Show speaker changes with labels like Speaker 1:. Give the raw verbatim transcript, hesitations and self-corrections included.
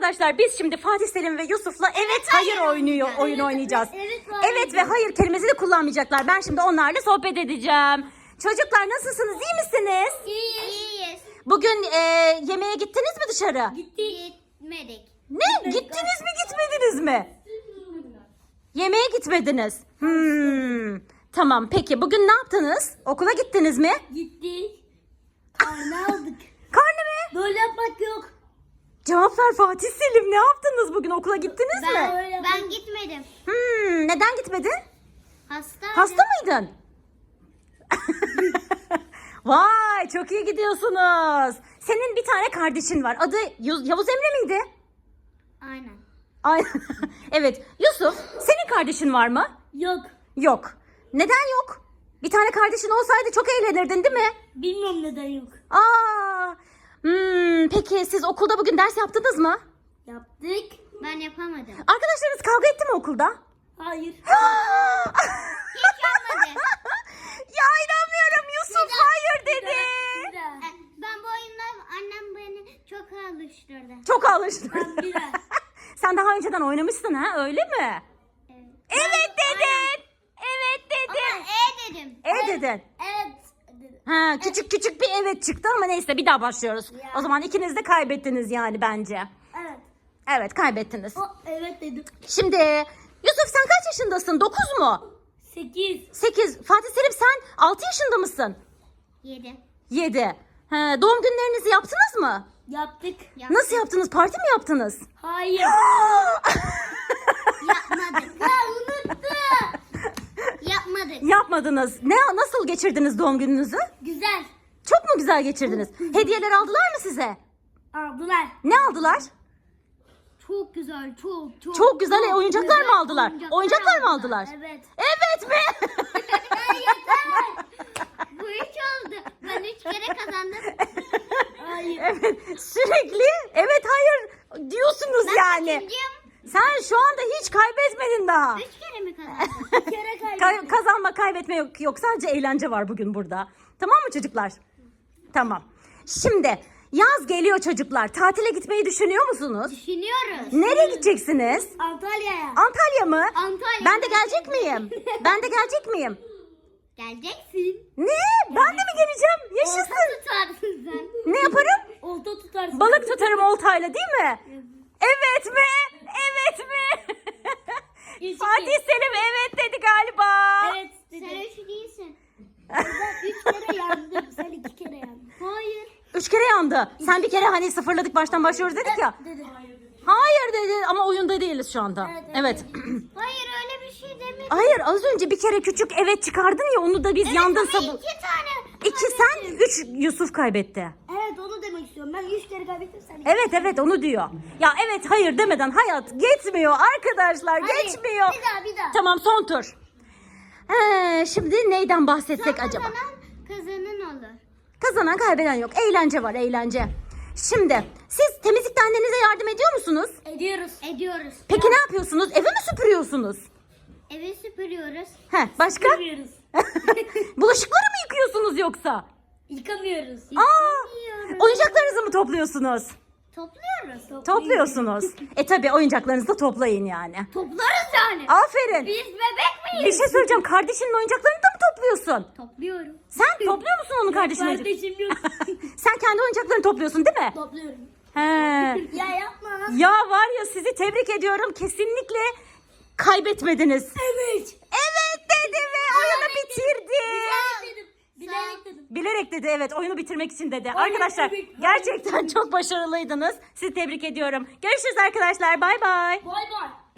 Speaker 1: arkadaşlar biz şimdi Fatih Selim ve Yusuf'la evet hayır oynuyor oyun oynayacağız.
Speaker 2: Evet,
Speaker 1: Evet ve hayır kelimesi de kullanmayacaklar. Ben şimdi onlarla sohbet edeceğim. Çocuklar nasılsınız? İyi misiniz?
Speaker 2: İyiyiz.
Speaker 1: Bugün e, yemeğe gittiniz mi dışarı?
Speaker 2: Gittik. Gitmedik.
Speaker 1: Ne? Gittiniz mi gitmediniz mi? Yemeğe gitmediniz. Hmm. Tamam peki bugün ne yaptınız? Okula gittiniz mi?
Speaker 2: Gittik. Karne aldık.
Speaker 1: Karne mi?
Speaker 2: Böyle yapmak yok.
Speaker 1: Cevap ver Fatih Selim, ne yaptınız bugün, okula gittiniz mi?
Speaker 2: Ben, ben gitmedim.
Speaker 1: Hmm, neden gitmedin?
Speaker 2: Hastaydım.
Speaker 1: Hasta mıydın? Vay çok iyi gidiyorsunuz. Senin bir tane kardeşin var. Adı Yu- Yavuz Emre miydi?
Speaker 2: Aynen.
Speaker 1: Ay evet. Yusuf, senin kardeşin var mı?
Speaker 2: Yok.
Speaker 1: Yok. Neden yok? Bir tane kardeşin olsaydı çok eğlenirdin değil mi?
Speaker 2: Bilmiyorum neden yok.
Speaker 1: Aa. Hmm, peki siz okulda bugün ders yaptınız mı?
Speaker 2: Yaptık. Ben yapamadım.
Speaker 1: Arkadaşlarınız kavga etti mi okulda?
Speaker 2: Hayır.
Speaker 1: Hiç
Speaker 2: yapmadı.
Speaker 1: Ya inanmıyorum, Yusuf
Speaker 2: Neden?
Speaker 1: hayır dedi.
Speaker 2: E, Ben bu oyunla annem beni çok alıştırdı.
Speaker 1: Çok alıştın.
Speaker 2: Ben biraz.
Speaker 1: Sen daha önceden oynamışsın ha, öyle mi?
Speaker 2: Evet.
Speaker 1: Evet dedin. Evet
Speaker 2: Ama
Speaker 1: dedin.
Speaker 2: e dedim.
Speaker 1: E dedin.
Speaker 2: Evet dedim.
Speaker 1: Ha, küçük küçük bir evet çıktı ama neyse bir daha başlıyoruz.
Speaker 2: Ya.
Speaker 1: O zaman ikiniz de kaybettiniz yani bence.
Speaker 2: Evet.
Speaker 1: Evet kaybettiniz.
Speaker 2: O evet dedim.
Speaker 1: Şimdi Yusuf sen kaç yaşındasın? dokuz mu?
Speaker 2: Sekiz.
Speaker 1: sekiz. Fatih Selim sen altı yaşında mısın?
Speaker 2: Yedi.
Speaker 1: yedi. Ha, doğum günlerinizi yaptınız mı?
Speaker 2: Yaptık.
Speaker 1: Nasıl yaptınız? Parti mi yaptınız?
Speaker 2: Hayır. Yapmadık. Ha unuttum. Yapmadık.
Speaker 1: Yapmadınız. Ne nasıl geçirdiniz doğum gününüzü?
Speaker 2: Güzel.
Speaker 1: Çok mu güzel geçirdiniz? Hediyeler aldılar mı size?
Speaker 2: Aldılar.
Speaker 1: Ne aldılar?
Speaker 2: Çok güzel. Çok çok.
Speaker 1: Çok güzel. E, oyuncaklar
Speaker 2: güzel
Speaker 1: mı aldılar? Oyuncaklar mı aldılar?
Speaker 2: Evet.
Speaker 1: Evet mi?
Speaker 2: Hayır. Bu üç oldu. Ben üç kere kazandım. Hayır.
Speaker 1: Evet. Sürekli evet hayır diyorsunuz
Speaker 2: Ben
Speaker 1: yani.
Speaker 2: kaçıncıyım?
Speaker 1: Sen şu anda hiç kaybetmedin daha.
Speaker 2: Üç kere mi kazandım? Bir kere
Speaker 1: Kay-
Speaker 2: kaybettim.
Speaker 1: kazanma kaybetme yok, yok. Sadece eğlence var bugün burada. Tamam mı çocuklar? Tamam. Şimdi yaz geliyor çocuklar. Tatile gitmeyi düşünüyor musunuz?
Speaker 2: Düşünüyoruz.
Speaker 1: Nereye gideceksiniz?
Speaker 2: Antalya'ya.
Speaker 1: Antalya mı?
Speaker 2: Antalya.
Speaker 1: Ben de gelecek miyim? Ben de gelecek miyim?
Speaker 2: Geleceksin.
Speaker 1: Ne? Ben de mi geleceğim?
Speaker 2: Olta
Speaker 1: Yaşasın.
Speaker 2: tutarsın sen.
Speaker 1: Ne yaparım?
Speaker 2: Olta tutarsın.
Speaker 1: Balık tutarım oltayla değil mi? Evet mi? Evet mi?
Speaker 2: Üç,
Speaker 1: Fatih
Speaker 2: iki.
Speaker 1: Selim evet dedi galiba.
Speaker 2: Evet dedi. Sen üç değilsin. Ben üç kere yandım. Sen iki kere yandın. Hayır.
Speaker 1: Üç kere yandı. Sen bir kere hani sıfırladık baştan başlıyoruz dedik ya.
Speaker 2: Dedi.
Speaker 1: Hayır dedi ama oyunda değiliz şu anda.
Speaker 2: Evet,
Speaker 1: Evet.
Speaker 2: Hayır öyle bir şey demedim.
Speaker 1: Hayır az önce bir kere küçük evet çıkardın ya, onu da biz yandın
Speaker 2: Ama
Speaker 1: sabı.
Speaker 2: iki tane.
Speaker 1: İki sen, üç Yusuf kaybetti.
Speaker 2: Evet onu demek istiyorum. Ben üç kere kaybettim sen iki.
Speaker 1: Evet evet onu diyor. Ya evet hayır demeden hayat geçmiyor arkadaşlar,
Speaker 2: Hadi,
Speaker 1: geçmiyor.
Speaker 2: Bir daha bir daha.
Speaker 1: Tamam son tur. He, şimdi neyden bahsetsek
Speaker 2: Son
Speaker 1: acaba?
Speaker 2: kazanan kazanan olur.
Speaker 1: Kazanan kaybeden yok. Eğlence var, eğlence. Şimdi siz temizlikte annenize yardım ediyor musunuz?
Speaker 2: Ediyoruz. Ediyoruz.
Speaker 1: Peki ne yapıyorsunuz? Evi mi süpürüyorsunuz?
Speaker 2: Evi süpürüyoruz.
Speaker 1: He, başka?
Speaker 2: Yıkamıyoruz.
Speaker 1: Bulaşıkları mı yıkıyorsunuz yoksa?
Speaker 2: Yıkamıyoruz.
Speaker 1: Aa,
Speaker 2: Yıkamıyoruz.
Speaker 1: oyuncaklarınızı mı topluyorsunuz?
Speaker 2: Topluyoruz.
Speaker 1: Topluyorsunuz. E tabi oyuncaklarınızı da toplayın yani.
Speaker 2: Toplarız yani.
Speaker 1: Aferin.
Speaker 2: Biz bebek
Speaker 1: Bir
Speaker 2: miyiz?
Speaker 1: şey söyleyeceğim. Kardeşinin oyuncaklarını da mı topluyorsun?
Speaker 2: Topluyorum.
Speaker 1: Sen topluyor musun onun kardeşinin oyuncaklarını?
Speaker 2: Kardeşim yok.
Speaker 1: Sen kendi oyuncaklarını topluyorsun değil mi?
Speaker 2: Topluyorum.
Speaker 1: He.
Speaker 2: Ya yapma.
Speaker 1: Ya var ya, sizi tebrik ediyorum. Kesinlikle kaybetmediniz.
Speaker 2: Evet.
Speaker 1: Evet dedi ve oyunu bitirdi.
Speaker 2: Bilerek dedim. Bilerek dedim.
Speaker 1: Bilerek dedi, evet, oyunu bitirmek için dedi.
Speaker 2: Hayır,
Speaker 1: Arkadaşlar
Speaker 2: evet,
Speaker 1: gerçekten çok başarılıydınız. Sizi tebrik ediyorum. Görüşürüz arkadaşlar. Bay bay.
Speaker 2: Bay bay.